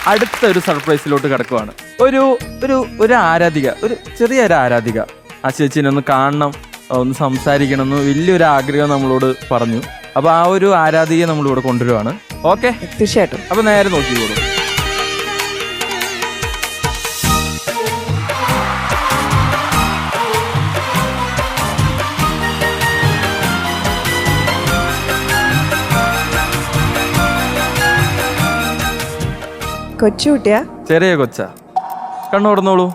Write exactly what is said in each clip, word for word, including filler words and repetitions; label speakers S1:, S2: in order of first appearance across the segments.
S1: അടുത്ത ഒരു സർപ്രൈസിലോട്ട് കിടക്കുവാണ്. ഒരു ഒരു ഒരു ആരാധിക, ഒരു ചെറിയൊരു ആരാധിക ആ ചേച്ചീനെ ഒന്ന് കാണണം, ഒന്ന് സംസാരിക്കണം എന്ന് വലിയൊരു ആഗ്രഹം നമ്മളോട് പറഞ്ഞു. അപ്പൊ ആ ഒരു ആരാധികയെ നമ്മളിവിടെ കൊണ്ടുവരുവാണ്. ഓക്കെ,
S2: തീർച്ചയായിട്ടും.
S1: അപ്പൊ നേരെ നോക്കിക്കോളൂ.
S2: കൊച്ചുകുട്ടിയാ?
S1: ചെറിയ കൊച്ച, കണ്ണു തുറന്നോളൂ.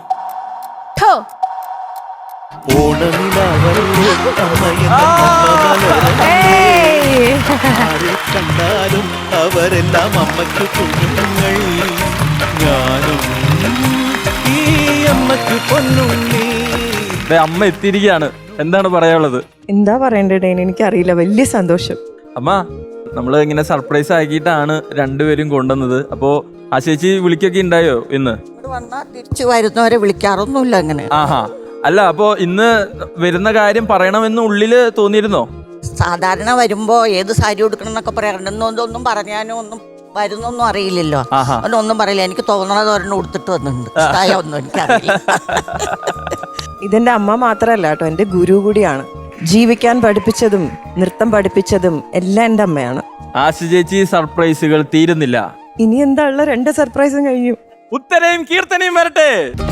S3: കണ്ടാലും അവരെല്ലാം അമ്മയ്ക്ക് കുഞ്ഞുങ്ങൾ, ഞാനും ഈ അമ്മയ്ക്ക് പൊന്നുണ്ണി.
S1: അമ്മ എത്തിയിരിക്കുകയാണ്. എന്താണ് പറയാനുള്ളത്?
S2: എന്താ പറയണ്ടേ ഡേൻ, എനിക്കറിയില്ല. വലിയ സന്തോഷം.
S1: അമ്മ, നമ്മള് ഇങ്ങനെ സർപ്രൈസ് ആക്കിയിട്ടാണ് രണ്ടുപേരും കൊണ്ടുവന്നത്. അപ്പോ ആ ചേച്ചി വിളിക്കൊക്കെ ഉണ്ടായോ ഇന്ന്?
S4: തിരിച്ചു വരുന്നവരെ വിളിക്കാറൊന്നുമില്ല അങ്ങനെ.
S1: ആഹാ, അല്ല അപ്പോ ഇന്ന് വരുന്ന കാര്യം പറയണമെന്ന് ഉള്ളില് തോന്നിയിരുന്നോ?
S4: സാധാരണ വരുമ്പോ ഏത് സാരി ഉടുക്കണം എന്നൊക്കെ പറയാറുണ്ട്. ഒന്നും പറഞ്ഞാനും ഒന്നും വരുന്നൊന്നും അറിയില്ലല്ലോ. ഒന്നും പറയില്ല. എനിക്ക് തോന്നണത് ഒരെണ്ണം ഉടുത്തിട്ട് വന്നിട്ടുണ്ട്. ഒന്നും എനിക്കറിയില്ല.
S2: ഇതെന്റെ അമ്മ മാത്രല്ല കേട്ടോ, എന്റെ ഗുരു കൂടിയാണ്. ജീവിക്കാൻ പഠിപ്പിച്ചതും നൃത്തം പഠിപ്പിച്ചതും എല്ലാം എന്റെ അമ്മയാണ്.
S1: ആശ ചേച്ചി, സർപ്രൈസുകൾ തീരുന്നില്ല.
S2: ഇനി എന്താ ഉള്ള രണ്ട് സർപ്രൈസും കഴിഞ്ഞു.
S1: ഉത്തരയും കീർത്തനയും വരട്ടെ.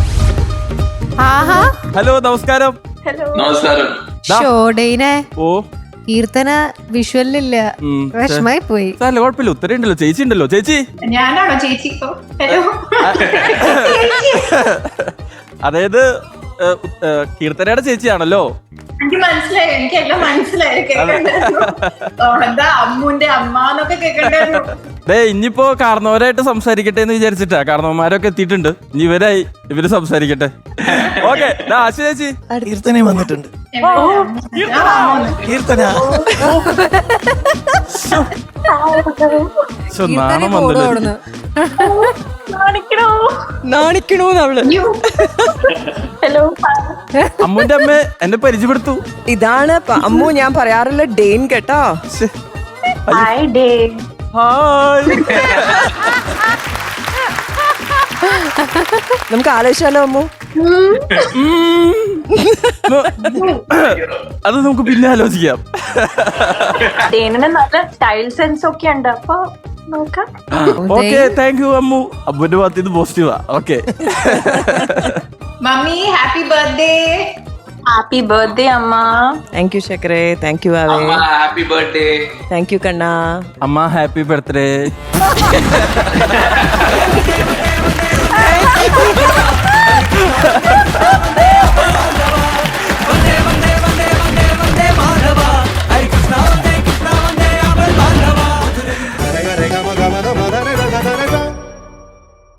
S1: ഹലോ, നമസ്കാരം.
S5: നമസ്കാരം.
S6: ഷോഡേനെ
S1: ഓ,
S6: കീർത്തന വിഷ്വലില്ല, വിഷമായി പോയി.
S1: അല്ല കുഴപ്പമില്ല, ഉത്തരം ഉണ്ടല്ലോ, ചേച്ചി ഉണ്ടല്ലോ. ചേച്ചി
S7: ഞാനാണോ ചേച്ചി? ഹലോ.
S1: അതായത് കീർത്തനയുടെ ചേച്ചിയാണല്ലോ.
S7: എനിക്ക് മനസ്സിലായി, എനിക്കെല്ലാം മനസ്സിലായി. എന്താ അമ്മുന്റെ അമ്മ എന്നൊക്കെ കേൾക്കണ്ടായിരുന്നു.
S1: ദേ, ഇനിയിപ്പോ കാരണവരായിട്ട് സംസാരിക്കട്ടെ എന്ന് വിചാരിച്ചിട്ടാ. കാരണവന്മാരൊക്കെ എത്തിയിട്ടുണ്ട്, ഇനി ഇവരായി ഇവര് സംസാരിക്കട്ടെ. ഓക്കെ, ആശ ചേച്ചി.
S3: കീർത്തനയും വന്നിട്ടുണ്ട്. കീർത്തന
S1: നാണം വന്നില്ല.
S2: നാണിക്കണോ അവള്?
S7: ഹലോ.
S1: അമ്മുന്റെ അമ്മ എന്നെ പരിചയപ്പെടുത്തു.
S2: ഇതാണ് പ- അമ്മു, ഞാൻ പറയാറില്ല ഡെയിൻ കേട്ടോ.
S7: ഹായ് ഡേ.
S1: ഹായ്.
S2: നമുക്ക് ആലോചിച്ചാലോ അമ്മു?
S1: അത് നമുക്ക് പിന്നെ ആലോചിക്കാം.
S7: ഡേനിന് നല്ല സ്റ്റൈൽ സെൻസ് ഒക്കെ ഉണ്ട്, അപ്പൊ നോക്കാം.
S1: Okay, thank you Ammu. അമ്മുന്റെ ഭാഗത്ത് ഇത് പോസിറ്റീവാ. Okay.
S7: Mummy happy birthday. Happy birthday അമ്മ.
S2: താങ്ക് യു ശേഖരേ, താങ്ക് യു ആവേ,
S5: ഹാപ്പി ബർത്ത്ഡേ.
S2: താങ്ക് യു കണ്ണാ.
S1: അമ്മ ഹാപ്പി ബർത്ത്ഡേ.